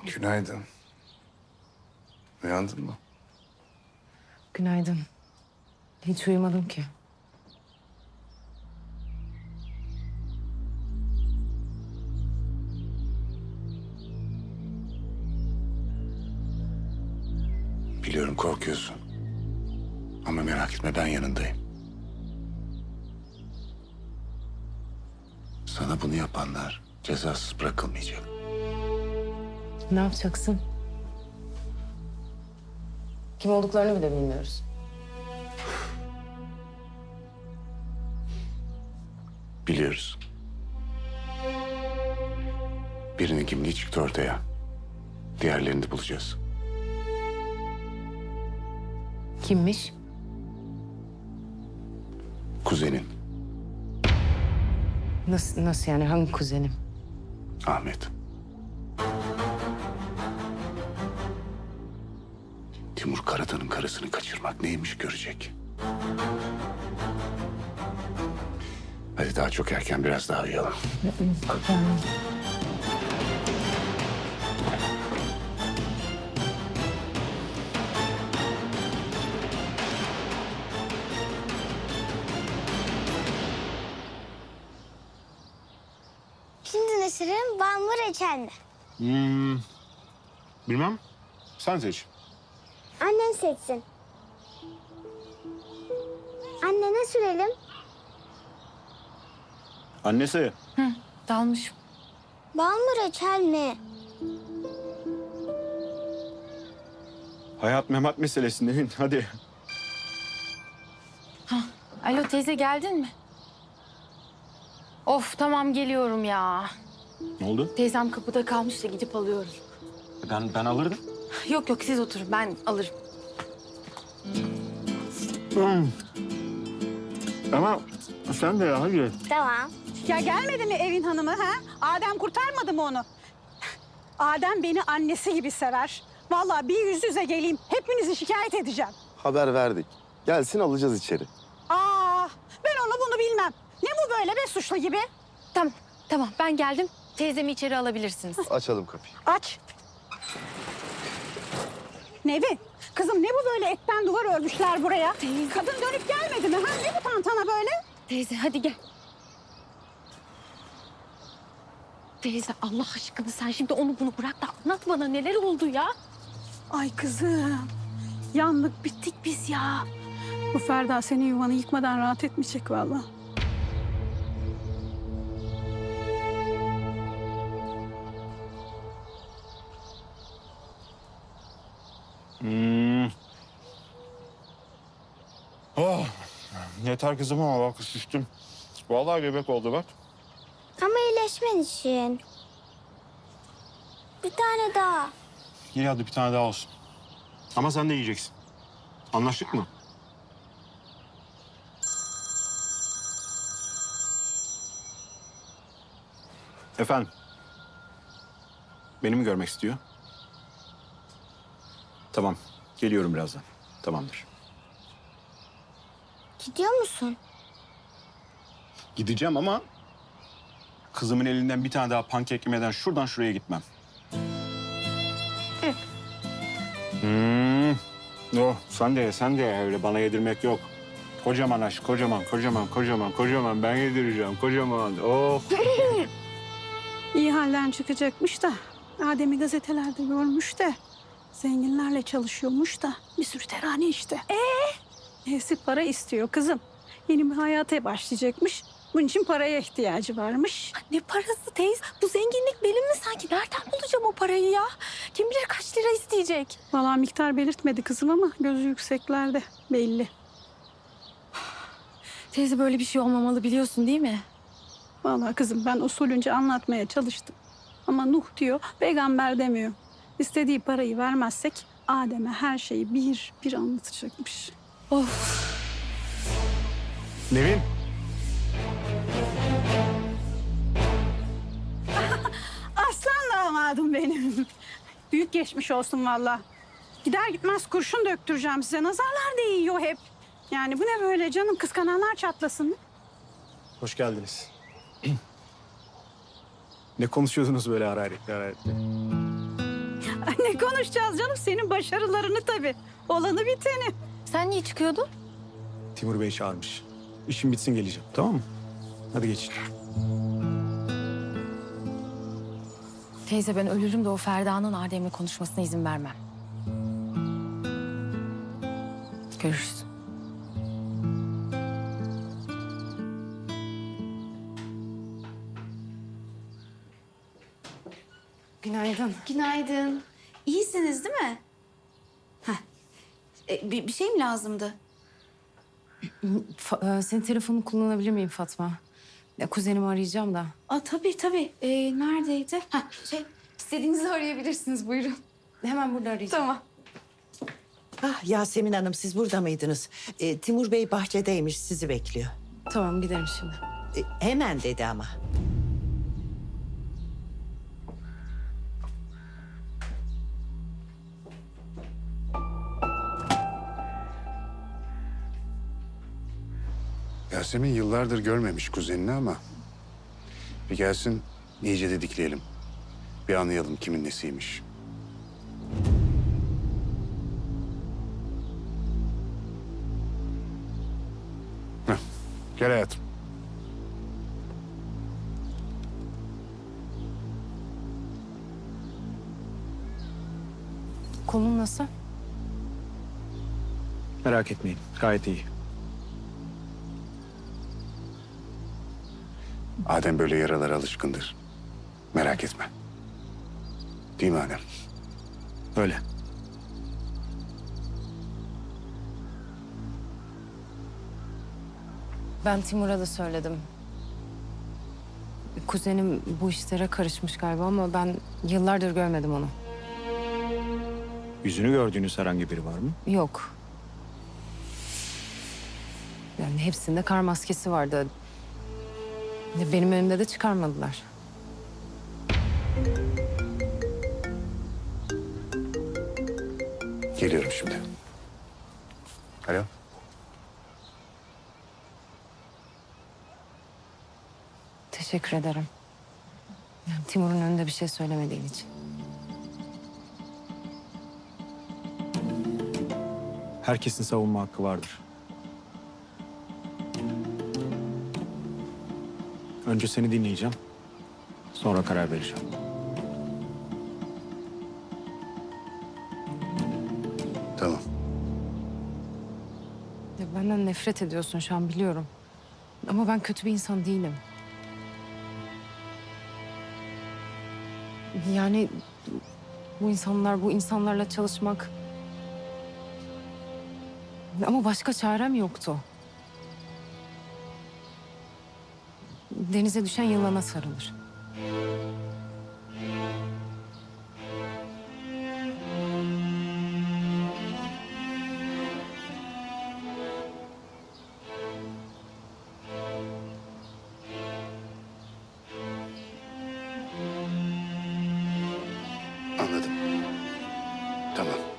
Günaydın. Uyandın mı? Günaydın. Hiç uyumadım ki. Biliyorum korkuyorsun. Ama merak etme ben yanındayım. Sana bunu yapanlar cezasız bırakılmayacak. Ne yapacaksın? Kim olduklarını bile bilmiyoruz. Biliyoruz. Birinin kimliği çıktı ortaya. Diğerlerini de bulacağız. Kimmiş? Kuzenin Nasıl yani? Hangi kuzenim? Ahmet. Timur Karatan'ın karısını kaçırmak neymiş görecek. Hadi daha çok erken biraz daha uyuyalım. Şimdi ne süreyim? Bal mı reçel mi? Bilmem. Sen seç. Annen seçsin. Anne ne sürelim? Annesi. Dalmışım. Bal mı reçel mi? Hayat memat meselesi Nevin. Hadi. Alo teyze geldin mi? Of tamam geliyorum ya. Ne oldu? Teyzem kapıda kalmış da gidip alıyorum. Ben alırdım. Yok siz oturun ben alırım. Ama sen de ya hadi. Tamam. Ya gelmedi mi evin hanımı ha? Adem kurtarmadı mı onu? Adem beni annesi gibi sever. Vallahi bir yüz yüze geleyim. Hepinizi şikayet edeceğim. Haber verdik. Gelsin alacağız içeri. Ben onu bunu bilmem. Ne bu böyle be suçlu gibi? Tamam ben geldim. Teyzemi içeri alabilirsiniz. Açalım kapıyı. Aç. Nevin, kızım ne bu böyle etten duvar örmüşler buraya? Kadın dönüp gelmedi mi? Ha? Ne bu tantana böyle? Teyze hadi gel. Teyze Allah aşkına sen şimdi onu bunu bırak da anlat bana neler oldu ya? Ay kızım, yandık bittik biz ya. Bu Ferda senin yuvanı yıkmadan rahat etmeyecek vallahi. Oh. Yeter kızım ama bak şiştim. Vallahi göbek oldu bak. Ama iyileşmen için. Bir tane daha. İyi hadi bir tane daha olsun. Ama sen de yiyeceksin. Anlaştık mı? Efendim? Beni mi görmek istiyor? Tamam. Geliyorum birazdan. Tamamdır. Gidiyor musun? Gideceğim ama kızımın elinden bir tane daha pankek yemeden şuradan şuraya gitmem. Yok, sen de ye, öyle bana yedirmek yok. Kocaman aşk, kocaman. Ben yedireceğim, kocaman. Oh. İyi halden çıkacakmış da Adem'i gazetelerde görmüş de zenginlerle çalışıyormuş da bir sürü terane işte. Neyse para istiyor kızım. Yeni bir hayata başlayacakmış. Bunun için paraya ihtiyacı varmış. Ne parası teyze? Bu zenginlik benim mi sanki? Nereden bulacağım o parayı ya? Kim bilir kaç lira isteyecek? Vallahi miktar belirtmedi kızım ama gözü yükseklerde belli. Teyze böyle bir şey olmamalı biliyorsun değil mi? Vallahi kızım ben usulünce anlatmaya çalıştım. Ama Nuh diyor, peygamber demiyor. İstediği parayı vermezsek Adem'e her şeyi bir bir anlatacakmış. Nevin. Aslan damadım benim. Büyük geçmiş olsun vallahi. Gider gitmez kurşun döktüreceğim size. Nazarlar değiyor hep. Yani bu ne böyle canım? Kıskananlar çatlasın. Hoş geldiniz. Ne konuşuyordunuz böyle hararetli? Ay, ne konuşacağız canım? Senin başarılarını tabii. Olanı biteni. Sen niye çıkıyordun? Timur Bey çağırmış. İşim bitsin geleceğim, tamam mı? Hadi geçin. Teyze ben ölürüm de o Ferda'nın Adem'le konuşmasına izin vermem. Görüşürüz. Günaydın. Günaydın. İyisiniz değil mi? Heh. Bir şey mi lazımdı? Senin telefonunu kullanabilir miyim Fatma? Ya, kuzenimi arayacağım da. Aa, tabii. Neredeydi? İstediğinizi arayabilirsiniz. Buyurun. Hemen burada arayacağım. Tamam. Ah Yasemin Hanım siz burada mıydınız? Timur Bey bahçedeymiş sizi bekliyor. Tamam gidelim şimdi. Hemen dedi ama. Yasemin yıllardır görmemiş kuzenini ama... ...bir gelsin iyice didikleyelim. Bir anlayalım kimin nesiymiş. Heh, gel hayatım. Kolun nasıl? Merak etmeyin, gayet iyi. Adem böyle yaralara alışkındır. Merak etme. Değil mi Adem? Öyle. Ben Timur'a da söyledim. Kuzenim bu işlere karışmış galiba ama ben yıllardır görmedim onu. Yüzünü gördüğünüz herhangi biri var mı? Yok. Yani hepsinde kar maskesi vardı. Benim önümde de çıkarmadılar. Geliyorum şimdi. Alo. Teşekkür ederim. Yani Timur'un önünde bir şey söylemediğin için. Herkesin savunma hakkı vardır. Önce seni dinleyeceğim. Sonra karar vereceğim. Tamam. Ya benden nefret ediyorsun şu an biliyorum. Ama ben kötü bir insan değilim. Yani bu insanlarla çalışmak... Ama başka çarem yoktu. Denize düşen yılana sarılır. Anladım. Tamam.